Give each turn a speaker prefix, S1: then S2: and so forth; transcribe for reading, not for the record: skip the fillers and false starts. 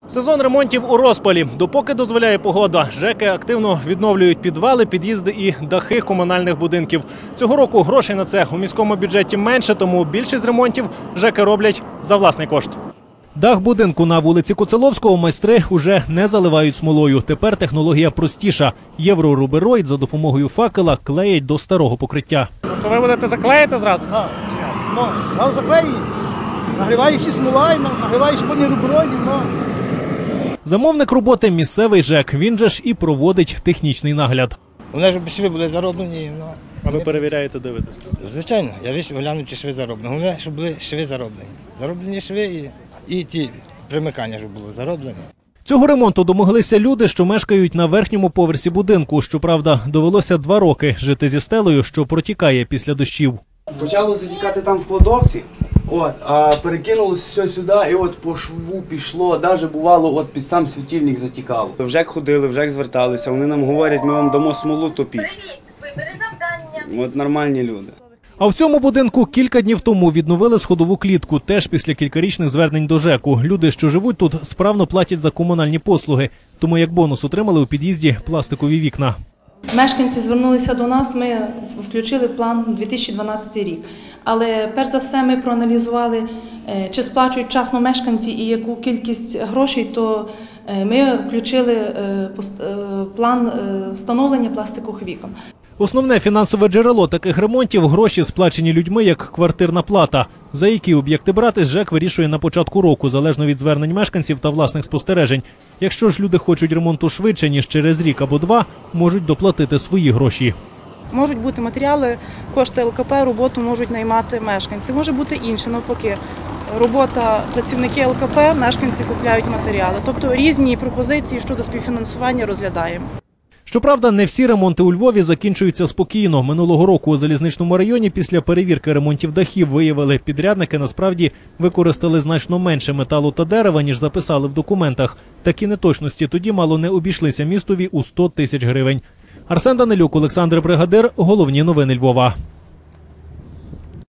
S1: Сезон ремонтів у розпалі. Допоки дозволяє погода, ЖЕКи активно відновлюють підвали, під'їзди і дахи комунальних будинків. Цього року грошей на це у міському бюджеті менше, тому більшість ремонтів ЖЕКи роблять за власний кошт. Дах будинку на вулиці Коцеловського майстри уже не заливають смолою. Тепер технологія простіша. Єврорубероїд за допомогою факела клеять до старого покриття. То ви будете заклеїти зразу?
S2: Так. Ну, заклеюють. Нагріваєшся смола і нагріваєш потім рубероїд.
S1: Замовник роботи – місцевий ЖЕК. Він же ж і проводить технічний нагляд.
S2: Вони ж шви були зароблені.
S1: А ви перевіряєте, дивитесь?
S2: Звичайно, я вийшов глянути, чи шви зароблені. Головне, щоб були шви зароблені. Зароблені шви і ті примикання, щоб було зароблені.
S1: Цього ремонту домоглися люди, що мешкають на верхньому поверсі будинку. Щоправда, довелося 2 роки жити зі стелею, що протікає після дощів.
S3: Почало затікати там в кладовці, а перекинулося все сюди, і по шву пішло, навіть бувало, під сам світильник затікало. В ЖЕК ходили, в ЖЕК зверталися, вони нам говорять, ми вам дамо смолу, топіть.
S4: Привіт, вибери завдання.
S3: Нормальні люди.
S1: А в цьому будинку кілька днів тому відновили сходову клітку, теж після кількарічних звернень до ЖЕКу. Люди, що живуть тут, справно платять за комунальні послуги, тому як бонус отримали у під'їзді пластикові вікна.
S5: Мешканці звернулися до нас, ми включили в план 2012 рік. Але перш за все ми проаналізували, чи сплачують вчасно мешканці і яку кількість грошей, то ми включили план встановлення пластикових вікон.
S1: Основне фінансове джерело таких ремонтів – гроші, сплачені людьми як квартирна плата. За які об'єкти брати, ЖЕК вирішує на початку року, залежно від звернень мешканців та власних спостережень. Якщо ж люди хочуть ремонту швидше, ніж через рік або 2, можуть доплатити свої гроші.
S6: Можуть бути матеріали, кошти ЛКП, роботу можуть наймати мешканці. Може бути інше, навпаки. Робота працівники ЛКП, мешканці купляють матеріали. Тобто різні пропозиції щодо співфінансування розглядаємо.
S1: Щоправда, не всі ремонти у Львові закінчуються спокійно. Минулого року у Залізничному районі після перевірки ремонтів дахів виявили, підрядники насправді використали значно менше металу та дерева, ніж записали в документах. Такі неточності тоді мало не обійшлися містові у 100 тисяч гривень. Арсен Данилюк, Олександр Бригадир. Головні новини Львова.